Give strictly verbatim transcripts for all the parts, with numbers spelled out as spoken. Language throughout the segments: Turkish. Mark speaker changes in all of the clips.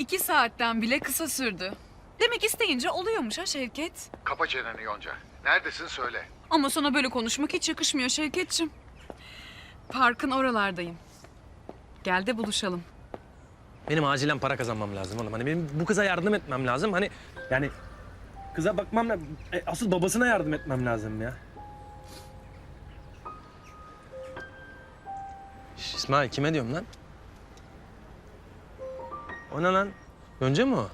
Speaker 1: İki saatten bile kısa sürdü. Demek isteyince oluyormuş ha Şevket.
Speaker 2: Kapa çeneni Yonca. Neredesin söyle.
Speaker 1: Ama sana böyle konuşmak hiç yakışmıyor Şevketçim. Parkın oralardayım. Gel de buluşalım.
Speaker 3: Benim acilen para kazanmam lazım oğlum. Hani benim bu kıza yardım etmem lazım. Hani yani kıza bakmam lazım. E, asıl babasına yardım etmem lazım ya. Şş, İsmail kime diyorum lan? O ne lan? Önce mi o?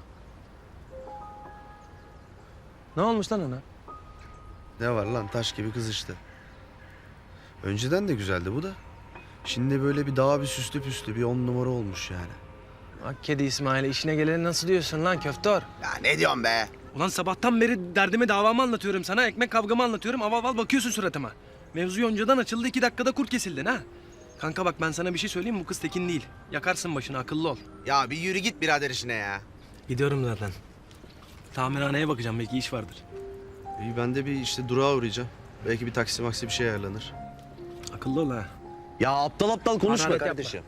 Speaker 3: Ne olmuş lan ona?
Speaker 4: Ne var lan, taş gibi kız işte. Önceden de güzeldi bu da. Şimdi böyle bir daha bir süslü püslü bir on numara olmuş yani.
Speaker 3: Bak kedi İsmail'e işine geleni nasıl diyorsun lan köftor?
Speaker 4: Ya ne diyorsun be?
Speaker 3: Ulan sabahtan beri derdimi davamı anlatıyorum sana. Ekmek kavgamı anlatıyorum. Aval aval bakıyorsun suratıma. Mevzu yoncadan açıldı, iki dakikada kurt kesildin ha. Kanka bak ben sana bir şey söyleyeyim mi? Bu kız tekin değil. Yakarsın başını, akıllı ol.
Speaker 4: Ya bir yürü git birader işine ya.
Speaker 3: Gidiyorum zaten. Tamirhaneye bakacağım, belki iş vardır.
Speaker 4: İyi, ben de bir işte durağa uğrayacağım. Belki bir taksi maksi bir şey ayarlanır.
Speaker 3: Akıllı ol ha.
Speaker 4: Ya aptal aptal konuşma
Speaker 3: Hararet
Speaker 4: kardeşim.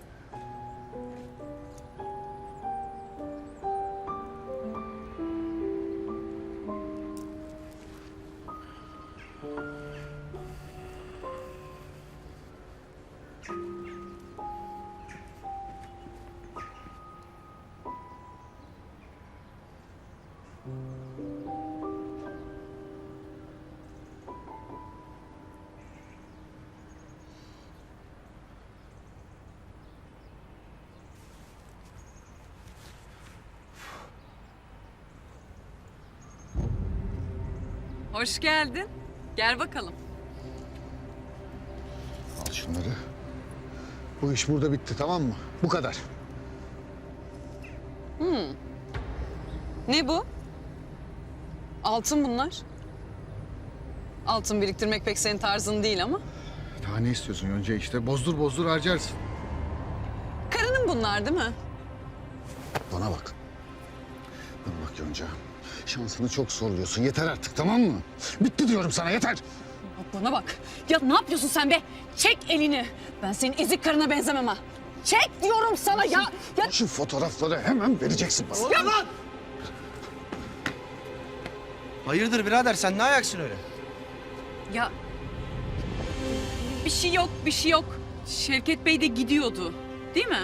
Speaker 1: Hoş geldin. Gel bakalım.
Speaker 2: Al şunları. Bu iş burada bitti, tamam mı? Bu kadar.
Speaker 1: Ne bu? Altın bunlar. Altın biriktirmek pek senin tarzın değil ama.
Speaker 2: Daha ne istiyorsun Yonca işte? Bozdur bozdur harcarsın.
Speaker 1: Karının bunlar değil mi?
Speaker 2: Bana bak. Bana bak Yonca. Şansını çok zorluyorsun. Yeter artık, tamam mı? Bitti diyorum sana, yeter.
Speaker 1: Bak bana bak. Ya ne yapıyorsun sen be? Çek elini. Ben senin ezik karına benzemem ha. Çek diyorum sana ya. Ya
Speaker 2: Şu fotoğrafları hemen vereceksin bana.
Speaker 1: ya lan!
Speaker 4: Hayırdır birader, sen ne ayaksın öyle?
Speaker 1: Ya bir şey yok, bir şey yok. Şevket Bey de gidiyordu. Değil mi?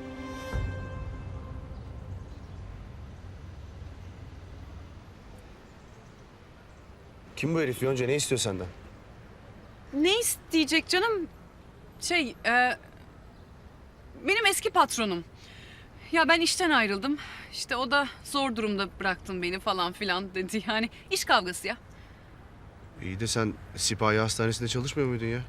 Speaker 4: Kim bu herif Yonca, ne istiyor senden?
Speaker 1: Ne isteyecek canım? Şey, e, benim eski patronum. Ya ben işten ayrıldım. İşte o da zor durumda bıraktın beni falan filan dedi. Yani iş kavgası ya.
Speaker 4: İyi de sen Sipahi Hastanesi'nde çalışmıyor muydun ya?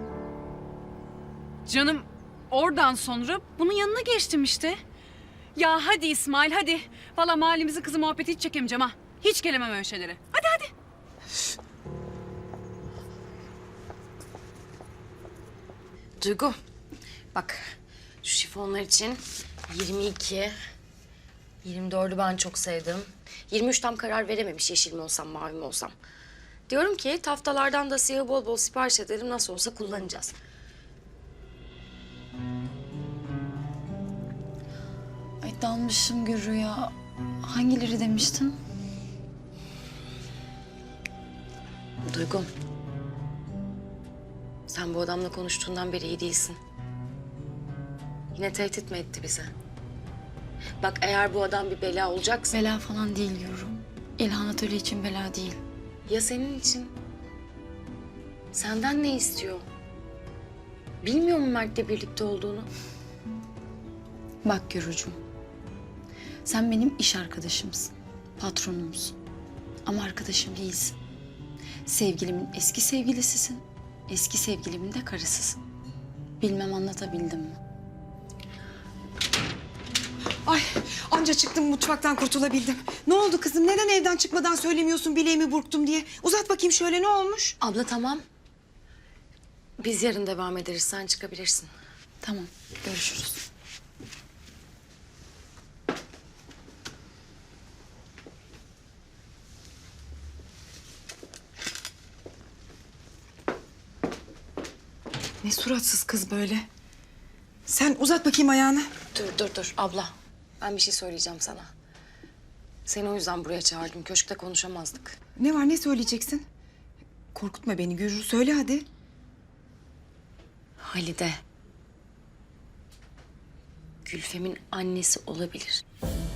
Speaker 1: Canım oradan sonra bunun yanına geçtim işte. Ya hadi İsmail hadi. Valla mahallemizin kızı muhabbeti hiç çekemeyeceğim ha. Hiç gelemem öyle şeylere. Hadi hadi.
Speaker 5: Duygu, bak şu şifonlar için yirmi iki, yirmi dördü ben çok sevdim. yirmi üç tam karar verememiş yeşil mi olsam, mavi mi olsam. Diyorum ki taftalardan da siyahı bol bol sipariş edelim, nasıl olsa kullanacağız.
Speaker 6: Ay dalmışım Gürü ya. Hangileri demiştin?
Speaker 5: Duygu, sen bu adamla konuştuğundan beri iyi değilsin. Yine tehdit mi etti bize? Bak eğer bu adam bir bela olacaksa...
Speaker 6: Bela falan değil Gürü. İlhan Atölye için bela değil.
Speaker 5: Ya senin için? Senden ne istiyor? Bilmiyor mu Mert'le birlikte olduğunu?
Speaker 6: Bak Gürücüğüm. Sen benim iş arkadaşımsın. Patronumsun. Ama arkadaşım değilsin. Sevgilimin eski sevgilisisin. Eski sevgilimin de karısısın. Bilmem anlatabildim mi?
Speaker 7: Ay anca çıktım mutfaktan kurtulabildim. Ne oldu kızım? Neden evden çıkmadan söylemiyorsun bileğimi burktum diye? Uzat bakayım şöyle, ne olmuş?
Speaker 5: Abla tamam. Biz yarın devam ederiz. Sen çıkabilirsin.
Speaker 6: Tamam, görüşürüz.
Speaker 7: Ne suratsız kız böyle. Sen uzat bakayım ayağını.
Speaker 5: Dur dur dur abla. Ben bir şey söyleyeceğim sana. Seni o yüzden buraya çağırdım. Köşkte konuşamazdık.
Speaker 7: Ne var, ne söyleyeceksin? Korkutma beni Gürür, söyle hadi.
Speaker 5: Halide. Gülfem'in annesi olabilir.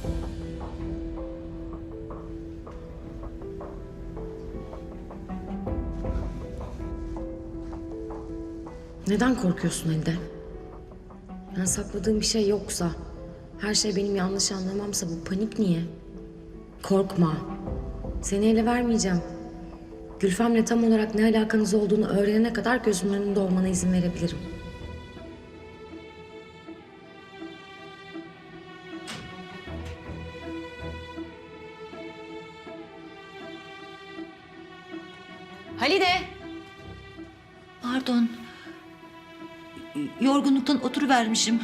Speaker 5: Neden korkuyorsun Halide? Yani sakladığım bir şey yoksa, her şey benim yanlış anlamamsa bu panik niye? Korkma. Seni ele vermeyeceğim. Gülfem'le tam olarak ne alakanız olduğunu öğrenene kadar gözümün önünde olmana izin verebilirim. Halide!
Speaker 8: Pardon. Yorgunluktan oturuvermişim.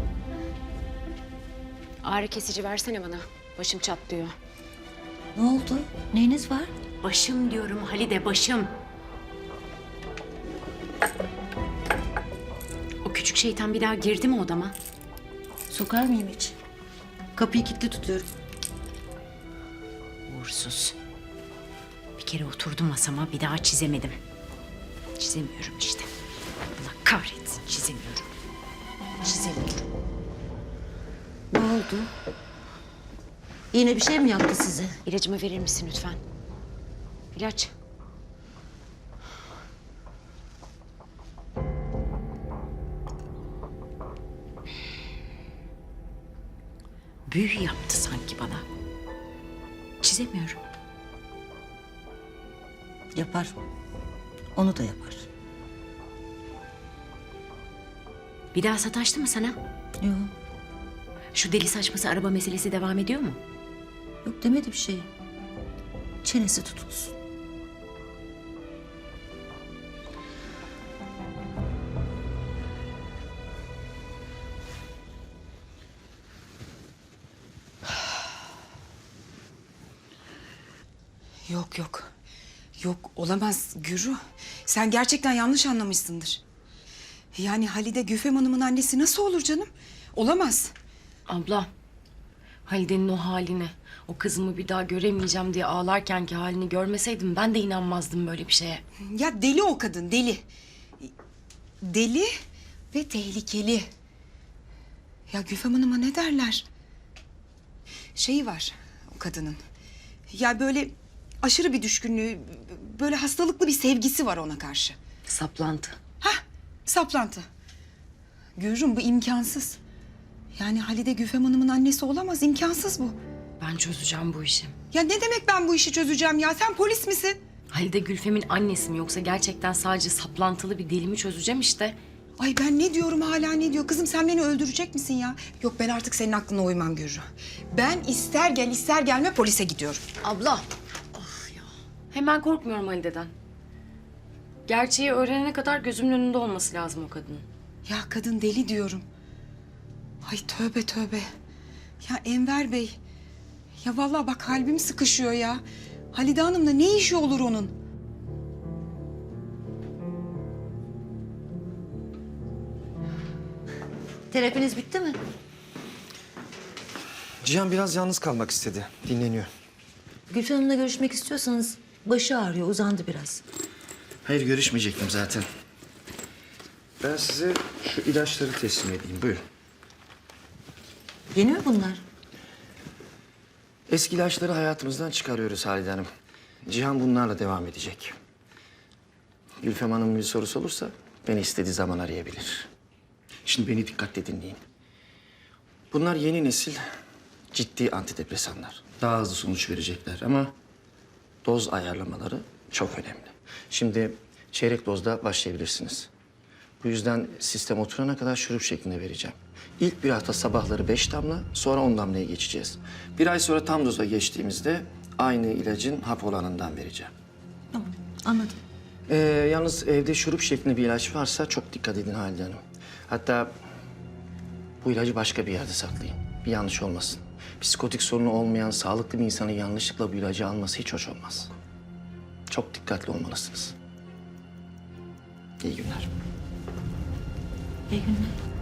Speaker 5: Ağrı kesici versene bana. Başım çatlıyor.
Speaker 8: Ne oldu? Neyiniz var?
Speaker 5: Başım diyorum Halide, başım. O küçük şeytan bir daha girdi mi odama?
Speaker 8: Sokar mıyım hiç? Kapıyı kilitli tutuyorum.
Speaker 5: Uğursuz. Bir kere oturdu masama, bir daha çizemedim. Çizemiyorum işte. Allah kahretsin, çizemiyorum. Çizemiyorum.
Speaker 8: Ne oldu? Yine bir şey mi yaptı size?
Speaker 5: İlacımı verir misin lütfen? İlaç. Büyü yaptı sanki bana. Çizemiyorum.
Speaker 8: Yapar. Onu da yapar.
Speaker 5: Bir daha sataştı mı sana?
Speaker 8: Yok.
Speaker 5: Şu deli saçması araba meselesi devam ediyor mu?
Speaker 8: Yok demedi bir şey. Çenesi tutulsun.
Speaker 7: Yok yok. Yok olamaz Gürü. Sen gerçekten yanlış anlamışsındır. Yani Halide Güfem Hanım'ın annesi nasıl olur canım? Olamaz.
Speaker 5: Abla, Halide'nin o halini, o kızımı bir daha göremeyeceğim diye ağlarkenki halini görmeseydim ben de inanmazdım böyle bir şeye.
Speaker 7: Ya deli o kadın, deli. Deli ve tehlikeli. Ya Güfem Hanım'a ne derler? Şeyi var o kadının. Ya böyle aşırı bir düşkünlüğü, böyle hastalıklı bir sevgisi var ona karşı.
Speaker 5: Saplantı.
Speaker 7: Hah, saplantı. Gürrüm bu imkansız. Yani Halide Güfem Hanım'ın annesi olamaz, imkansız bu.
Speaker 5: Ben çözeceğim bu işi.
Speaker 7: Ya ne demek ben bu işi çözeceğim ya? Sen polis misin?
Speaker 5: Halide Gülfem'in annesi mi yoksa gerçekten sadece saplantılı bir deli mi çözeceğim işte.
Speaker 7: Ay ben ne diyorum hala ne diyor? Kızım sen beni öldürecek misin ya? Yok ben artık senin aklına uymam Gürrü. Ben ister gel ister gelme polise gidiyorum.
Speaker 5: Abla. Ah ya. Hemen korkmuyorum Halide'den. Gerçeği öğrenene kadar gözümün önünde olması lazım o kadının.
Speaker 7: Ya kadın deli diyorum. Ay tövbe tövbe. Ya Enver Bey. Ya vallahi bak kalbim sıkışıyor ya. Halide Hanım'la ne işi olur onun?
Speaker 8: Terapiniz bitti mi?
Speaker 9: Cihan biraz yalnız kalmak istedi. Dinleniyor.
Speaker 8: Gülfem Hanım'la görüşmek istiyorsanız başı ağrıyor, uzandı biraz.
Speaker 4: Hayır görüşmeyecektim zaten.
Speaker 9: Ben size şu ilaçları teslim edeyim. Buyurun.
Speaker 8: Yeni mi bunlar?
Speaker 9: Eski ilaçları hayatımızdan çıkarıyoruz Halide Hanım. Cihan bunlarla devam edecek. Gülfem Hanım'ın bir sorusu olursa beni istediği zaman arayabilir. Şimdi beni dikkatle dinleyin. Bunlar yeni nesil ciddi antidepresanlar. Daha hızlı sonuç verecekler ama doz ayarlamaları çok önemli. Şimdi çeyrek dozda başlayabilirsiniz. Bu yüzden sistem oturana kadar şurup şeklinde vereceğim. İlk bir hafta sabahları beş damla, sonra on damlaya geçeceğiz. Bir ay sonra tam doza geçtiğimizde aynı ilacın hap olanından vereceğim.
Speaker 8: Tamam, anladım.
Speaker 9: Ee, yalnız evde şurup şeklinde bir ilaç varsa çok dikkat edin Halide Hanım. Hatta bu ilacı başka bir yerde saklayın. Bir yanlış olmasın. Psikotik sorunu olmayan sağlıklı bir insanın yanlışlıkla bu ilacı alması hiç hoş olmaz. Çok dikkatli olmalısınız. İyi günler.
Speaker 8: İyi günler.